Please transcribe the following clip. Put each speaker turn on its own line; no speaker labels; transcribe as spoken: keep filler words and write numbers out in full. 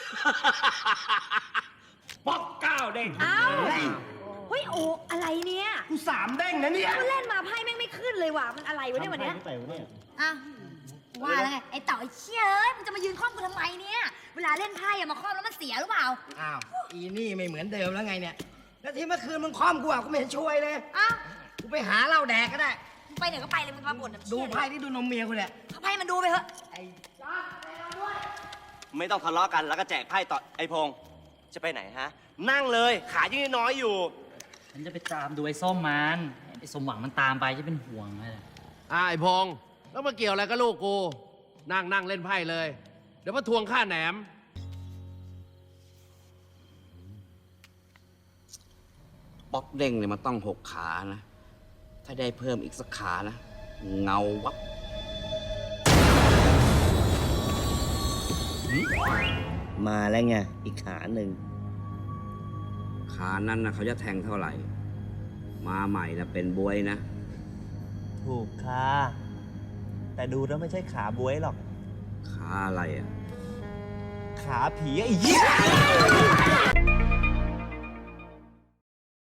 ป๊อกเก้าเด้ง
อ้าวเฮ้ยโอ้อะไรเนี่ย
กูสามเด้งนะเนี่ย
กูเล่นมาไพ่แม่งไม่ขึ้นเลยว่ะมันอะไรวะเนี่ยวันเนี้ย
อ่ะว่าแล้วไงไอ้เต่าไอ้เชี่ยเอ้ยมึงจะมายืนคล่อมกูทำไมเนี่ยเวลาเล่นไพ่อะมาคล่อมแล้วมันเสียหรือเปล่า
อ้าวอีนี่ไม่เหมือนเดิมแล้วไงเนี่ยแล้วที่เมื่อคืนมึงคล่อมกูอ่ะกูไม่เห็นช่วยเลย
อ้าว
กูไปหาเหล้าแดกก็ได้
มึงไปไหนก็ไปเลยมึงมาบ่นแบบ
ดู
เชี่ย
ไพ่ที่ดูนมเมียกูเนี่ย
เอาไพ่มันดูไปเถอะ
ไอ้
ไม่ต้องทะเลาะกันแล้วก็แจกไพ่ต่อไอพงษ์จะไปไหนฮะ นั่งเลยขายังน้อยอยู่
ฉันจะไปตามดูไอ้ส้มมันไอ้สมหวังมันตามไปจะเป็นห่วงเลย
อ่าไอ้พงษ์แล้วมาเกี่ยวอะไรกับลูกกู นั่งนั่งเล่นไพ่เลย เดี๋ยวมาทวงค่าแหนม
ป๊อกเด้งเนี่ยมันต้องหกขานะ ถ้าได้เพิ่มอีกสักขานะ เงาวับ
มาแล้วไงอีกขาหนึ่ง
ขานั้นนะเขาจะแทงเท่าไหร่ มาใหม่นะเป็นบวยนะ
ถูกค่ะ แต่ดูแล้วไม่ใช่ขาบวยหรอก
ขาอะไรอ่ะ
ขาผีไอ้เหี้ย